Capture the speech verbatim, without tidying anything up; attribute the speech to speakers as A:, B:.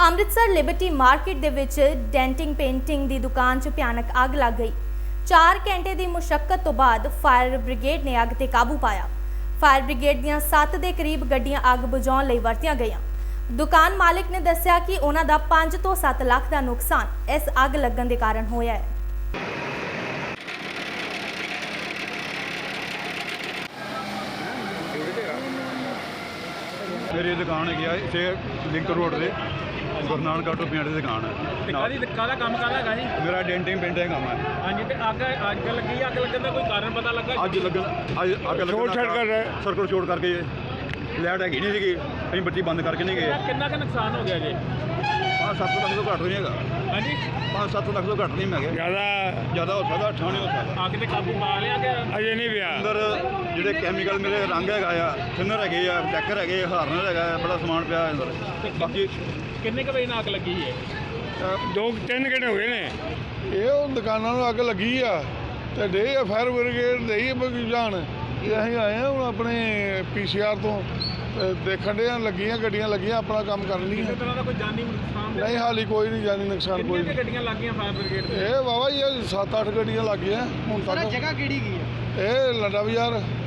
A: Amritsar Liberty market ਦੇ ਵਿੱਚ denting painting ਦੀ ਦੁਕਾਨ 'ਚ ਭਿਆਨਕ ਅੱਗ ਲੱਗ ਗਈ। ਚਾਰ ਘੰਟੇ ਦੀ ਮੁਸ਼ੱਕਤ ਤੋਂ ਬਾਅਦ ਫਾਇਰ ਬ੍ਰਿਗੇਡ ਨੇ ਅੱਗ ਤੇ ਕਾਬੂ ਪਾਇਆ। ਫਾਇਰ ਬ੍ਰਿਗੇਡ ਦੀਆਂ ਸੱਤ ਦੇ ਕਰੀਬ ਗੱਡੀਆਂ ਅੱਗ ਬੁਝਾਉਣ ਲਈ ਵਰਤੀਆਂ ਗਈਆਂ। ਦੁਕਾਨ ਮਾਲਕ ਨੇ ਦੱਸਿਆ ਕਿ ਉਹਨਾਂ ਦਾ ਪੰਜ ਤੋਂ ਸੱਤ ਲੱਖ ਦਾ ਨੁਕਸਾਨ ਇਸ ਅੱਗ ਲੱਗਣ ਦੇ ਕਾਰਨ ਹੋਇਆ ਹੈ।
B: मेरी दुकान है इतने लिंक रोड से गुरु नानक ऑटो पिंड की दुकान है।
C: ਕਾਹਦੀ ਕਾਹਦਾ ਕੰਮ ਕਾਹਦਾ ਹੈਗਾ ਜੀ?
B: मेरा डेंटिंग पेंटिंग काम है।
C: ਹਾਂਜੀ ਤੇ ਅੱਗ ਅੱਗ ਲੱਗੀ ਅੱਗ ਲੱਗਣ ਦਾ ਕੋਈ ਕਾਰਨ ਪਤਾ ਲੱਗਾ?
B: अज लगन अज अग लगन सर्कल चोट करके लाइट हैगी नहीं सी, अं बत्ती बंद करके नहीं गए।
C: ਕਿੰਨਾ ਕੁ ਨੁਕਸਾਨ ਹੋ ਗਿਆ ਜੀ?
B: पाँच सत्त लख तो घट नहीं है।
C: ਹਾਂਜੀ
B: पाँच सत्त लख तो घट नहीं मैं
D: ज़्यादा
B: ज़्यादा हो सकता, अठा नहीं हो सकता।
C: ਅੱਗ ਤੇ ਕਾਬੂ ਪਾ ਲਿਆ ਗਿਆ?
D: अजे नहीं पिया।
B: अंदर ਜਿਹੜੇ ਕੈਮੀਕਲ ਮੇਰੇ ਰੰਗ ਹੈਗਾ ਆ, ਥਿਨਰ ਹੈਗੇ ਆ, ਡੈਕਰ ਹੈਗੇ, ਹਾਰਨਰ ਹੈਗਾ, ਬੜਾ ਸਮਾਨ ਪਿਆ ਅੰਦਰ। ਬਾਕੀ
C: ਕਿੰਨੇ ਕੁ ਵਜੇ ਨਾਲ ਅੱਗ ਲੱਗੀ ਹੈ?
D: दो तीन घंटे हुए ने।
E: ਇਹ ਉਹ ਦੁਕਾਨਾਂ ਨੂੰ ਅੱਗ ਲੱਗੀ ਆ ਤੇ ਡੇ ਆ ਫਾਇਰ ਬ੍ਰਿਗੇਡ ਦੇ ਹੀ ਬਗੀਜਾਨ ਇਹ ਅਸੀਂ ਆਏ ਆ ਹੁਣ ਆਪਣੇ ਪੀਸੀਆਰ ਤੋਂ ਤੇ ਦੇਖਣ ਦੇ ਲੱਗੀਆਂ ਗੱਡੀਆਂ ਲੱਗੀਆਂ ਆਪਣਾ ਕੰਮ ਕਰਨ ਲਈ।
C: ਕਿਸੇ ਤਰ੍ਹਾਂ ਦਾ ਕੋਈ ਜਾਨੀ ਨੁਕਸਾਨ
E: ਨਹੀਂ ਹਾਲੀ ਕੋਈ ਨਹੀਂ ਜਾਨੀ ਨੁਕਸਾਨ ਕੋਈ
C: ਕਿੰਨੀਆਂ
E: ਨਹੀਂ।
C: ਕੁ ਗੱਡੀਆਂ ਲੱਗ ਗਈਆਂ ਫਾਇਰ ਬ੍ਰਿਗੇਡ ਦੇ?
E: ਇਹ ਵਾਵਾ ਹੀ ਸੱਤ ਅੱਠ ਗੱਡੀਆਂ ਲੱਗ ਗਈਆਂ ਹੁਣ ਤੱਕ।
C: ਜਗ੍ਹਾ ਕਿਹੜੀ ਗਈ ਹੈ?
E: ਇਹ ਲੰਡਾ ਬਾਜ਼ਾਰ